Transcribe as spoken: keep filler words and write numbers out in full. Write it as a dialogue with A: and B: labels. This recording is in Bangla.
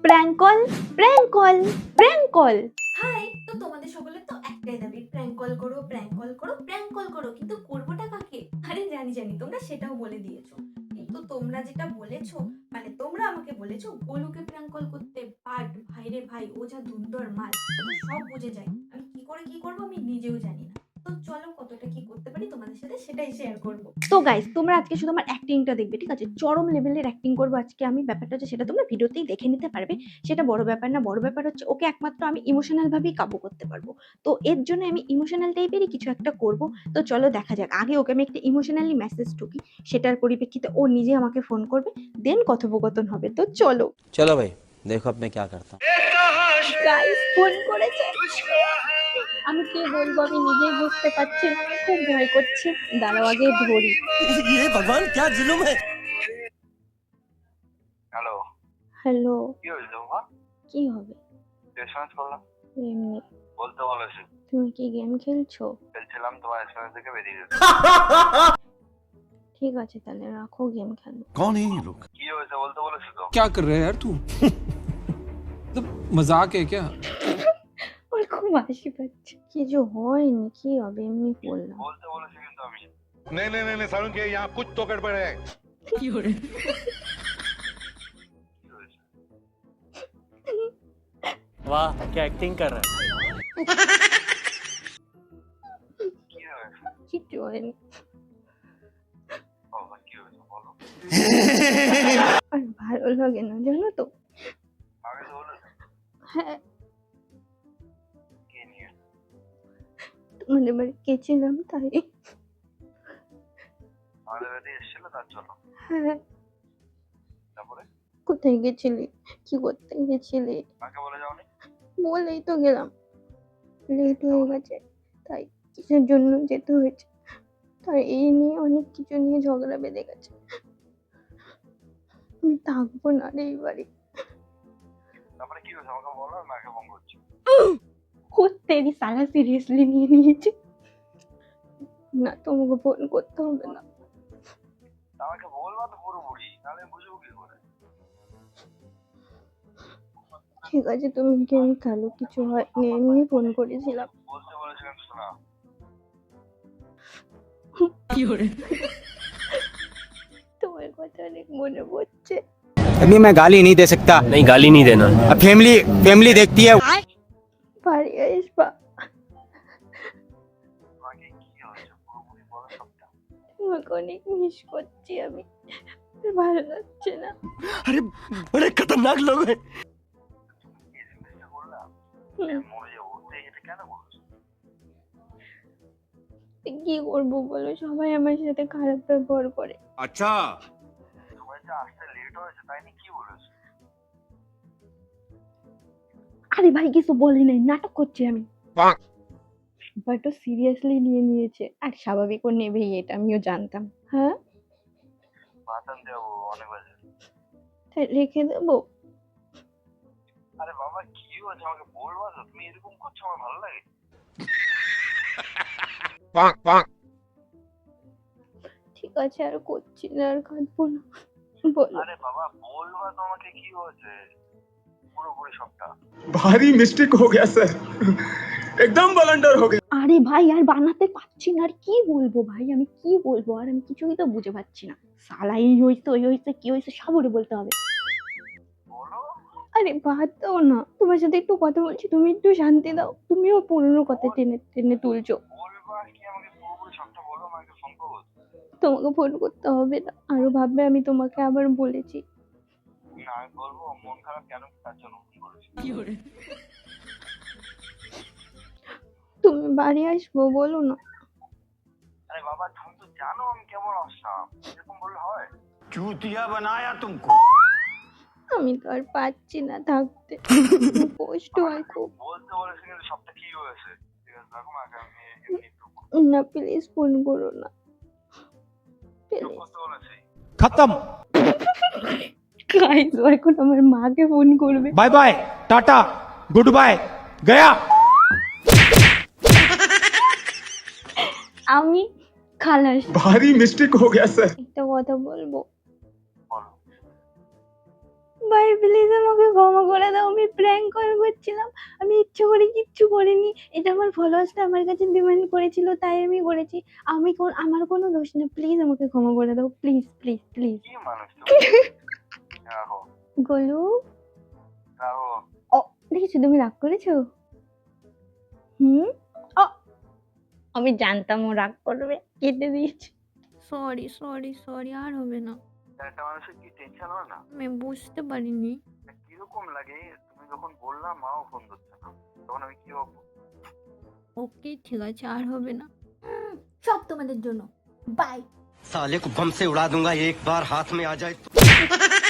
A: Prank call, prank call, prank call.
B: Hi, তো তোমাদের সকলের তো একটাই দাবি, প্র্যাঙ্ক কল করো, প্র্যাঙ্ক কল করো, প্র্যাঙ্ক কল করো, কিন্তু করবোটা কাকে? আরে জানি জানি তোমরা সেটাও বলে দিয়েছো, কিন্তু তোমরা যেটা বলেছো, মানে তোমরা আমাকে বলেছো গোলুকে প্র্যাঙ্ক কল করতে। বাট ভাই রে ভাই, ও যা ধুন্দর মাল, ও তো সব বুঝে যায়। আমি কি করে কি করবো আমি নিজেও জানি না। তো চলো কতটা কি করতে পারি তোমাদের সাথে সেটাই শেয়ার করবো।
A: তো গাইস, তোমরা আজকে শুধু আমার অ্যাক্টিংটা দেখবে, ঠিক আছে? চরম লেভেলের অ্যাক্টিং করবো আজকে আমি। ব্যাপারটা হচ্ছে সেটা তোমরা ভিডিওতেই দেখে নিতে পারবে, সেটা বড় ব্যাপার না। বড় ব্যাপার হচ্ছে ওকে একমাত্র আমি ইমোশনাল ভাবেই কাবু করতে পারবো। তো এর জন্য আমি ইমোশনাল টাইপেরই কিছু একটা করব। তো চলো দেখা যাক। আগে ওকে আমি একটা ইমোশনালি মেসেজ ঢুকি, সেটার পরিপ্রেক্ষিতে ও নিজে আমাকে ফোন করবে, দেন কথোপকথন হবে। তো চলো
C: चलो भाई देखो अब मैं क्या करता हूँ।
A: গাইস, ফোন করেছে। আমি কি বলবো আমি নিজেই বুঝতে পারছি না, আমার খুব ভয় করছে। দাঁড়াও আগে ধরি।
C: ये भगवान क्या जुल्म है।
D: Hello,
A: hello.
D: কি হয়েছে তোমার?
A: কি হবে?
D: এসএমএস করলাম,
A: এমনি।
D: বলতে বলেছি।
A: তুমি কি গেম খেলছো?
D: খেলছিলাম, তোমার এসএমএস দেখে বেরিয়ে গেছে।
A: ঠিক আছে তাহলে রাখো, গেম খেলো।
E: कौन है ये लोग?
D: কি হয়েছে বলতে বলেছি তো।
F: क्या कर रहा है यार तू? तो मजाक है क्या?
A: ওর খুব হাসি পাচ্ছে। কিছু হয়নি, কি হবে, এমনি বললাম।
D: বলতে বলেছি কিন্তু আমি।
E: नहीं नहीं नहीं सारुण के यहाँ कुछ तो गड़बड़ है।
D: কি হয়েছে?
C: वाह क्या एक्टिंग कर रहा है।
D: কি হয়েছে?
A: কিছু হয়নি।
D: বাবা, কি হয়েছে বলো।
A: আর ভালো লাগে না জানো তো।
D: আগে তো বলেছি।
A: হ্যাঁ,
D: কি নিয়ে?
A: তোমাদের বাড়ি গেছিলাম তাই।
D: আমাদের বাড়ি এসেছিল তার জন্য।
A: হ্যাঁ।
D: তারপরে
A: কোথায় গেছিলি, কি করতে গেছিলি?
D: কাকে বলে যাওনি?
A: বলেই তো গেলাম, লেট হয়ে গেছে তাই। কিসের জন্য যেতে হয়েছে তার এই নিয়ে অনেক কিছু নিয়ে ঝগড়া বেঁধে গেছে। আমি থাকবো না রে এই বাড়ি।
D: তারপরে কি হয়েছে আমাকে বলো, আমি মাকে ফোন করছি।
A: তেরি সালা সিরিয়াসলি নিয়ে নিয়েছে। না, তোমাকে ফোন করতে হবে না।
D: আমাকে বলবা তো পুরোপুরি, তাহলে বুঝবো কি করে।
A: ঠিক আছে তুমি গেম খেলো, কিছু হয়নি, এমনি ফোন করেছিলাম।
D: বলতে বলেছিলাম শোনা।
A: তোমার কথা অনেক মনে পড়ছে।
G: अभी मैं गाली नहीं दे सकता।
C: नहीं गाली नहीं देना।
G: अब फैमिली फैमिली देखती है।
A: বাড়ি আসবা?
D: তোমাকে কি হয়েছে পুরোপুরি বলো সবটা।
A: তোমাকে অনেক মিস করছি আমি, আর ভালো লাগছে না।
C: अरे बड़े खतरनाक लोग हैं।
D: এই জিনিসটা করলাম,
A: হুম,
D: মরে যাবো, তো এটা কেন বলছো?
A: কি করবো বলো, সবাই আমার সাথে খারাপ ব্যবহার করে।
E: अच्छा
D: তোমার যে আসতে লেট হয়েছে তাই নিয়ে কি বলেছো?
A: আরে ভাই কিছু বলি নাই, নাটক করছি আমি। বাট ও সিরিয়াসলি নিয়ে নিয়েছে, আর স্বাভাবিক ও নেবেই, এটা আমিও জানতাম। হ্যাঁ,
D: ভাত আনতে যাবো অনেক বাজে।
A: তাই রেখে দেবো?
D: আরে বাবা কি হয়েছে আমাকে বলবা তো, তুমি এরকম করছো আমার ভালো লাগে।
A: ঠিক আছে, আর করছি না, আর কাঁদবো না, বলো।
D: আরে বাবা বলবা তো আমাকে কি হয়েছে পুরোপুরি সবটা।
H: भारी मिस्टेक हो गया सर, एकदम ब्लंडर हो गया।
A: আরে ভাই আর বানাতে পারছি না, আর কি বলবো ভাই, আমি কি বলবো, আর আমি কিছুই তো বুঝে পাচ্ছি না। সালা এই হয়েছে, ওই হয়েছে, কি হয়েছে সব ওরে বলতে হবে।
D: বলো।
A: আরে বাদ দাও না, তোমার সাথে একটু কথা বলছি, তুমি একটু শান্তি দাও। তুমিও পুরোনো কথা টেনে টেনে তুলছো।
D: বলবা কি আমাকে পুরোপুরি সবটা বলো, আমাকে ফোন করবো।
A: তোমাকে ফোন করতে হবে না, আরো ভাববে আমি তোমাকে আবার বলেছি।
D: না আমি বলবো মন খারাপ কেন তার জন্য ফোন করেছি।
A: তুমি বাড়ি আসবো বলো না।
D: আরে বাবা তুমি তো জানো আমি কেমন আসলাম, এরকম বললে হয়?
E: चूतिया बनाया तुमको।
A: আমি তো আর পাচ্ছি না থাকতে, কষ্ট হয় খুব।
D: বলতে বলেছি কিন্তু সবটা কি হয়েছে। ঠিক আছে রাখো, মাকে আমি এমনি একটু
A: না প্লিজ ফোন করো না,
D: চুপ
A: প্লিজ।
D: করতে বলেছি।
G: खत्म।
A: গাইস ও এখন আমার মাকে ফোন করবে।
G: Bye bye tata goodbye गया।
A: আমি খালাস।
H: भारी मिस्टेक हो गया सर।
A: একটা কথা বলবো,
D: বলো।
A: ভাই প্লিজ আমাকে ক্ষমা করে দাও, আমি প্র্যাঙ্ক কল করছিলাম, আমি ইচ্ছে করে কিচ্ছু করিনি, এটা আমার ফলোয়ার্সরা আমার কাছে ডিমান্ড করেছিল তাই আমি করেছি, আমি কোন আমার কোনো দোষ নেই, প্লিজ আমাকে ক্ষমা করে দাও, প্লিজ প্লিজ প্লিজ।
D: কি মানুষ তুমি? রাখো
A: গোলু
D: রাখো।
A: ও দেখেছো তুমি রাগ করেছো? হুম ও আমি জানতাম ও রাগ করবে, কেটে দিয়েছি।
I: সরি সরি সরি আর হবে না।
D: একটা মানুষের কি টেনশন হয় না?
I: আমি বুঝতে পারিনি।
D: কিরকম লাগে তুমি যখন বললাম মাও ফোন ধরছে না, তখন আমি কি ভাববো?
I: ওকে ঠিক আছে আর হবে না।
B: হুম, সব তোমাদের জন্য। বাই।
C: साले को बम से उड़ा दूंगा एक बार हाथ में आ जाए तो।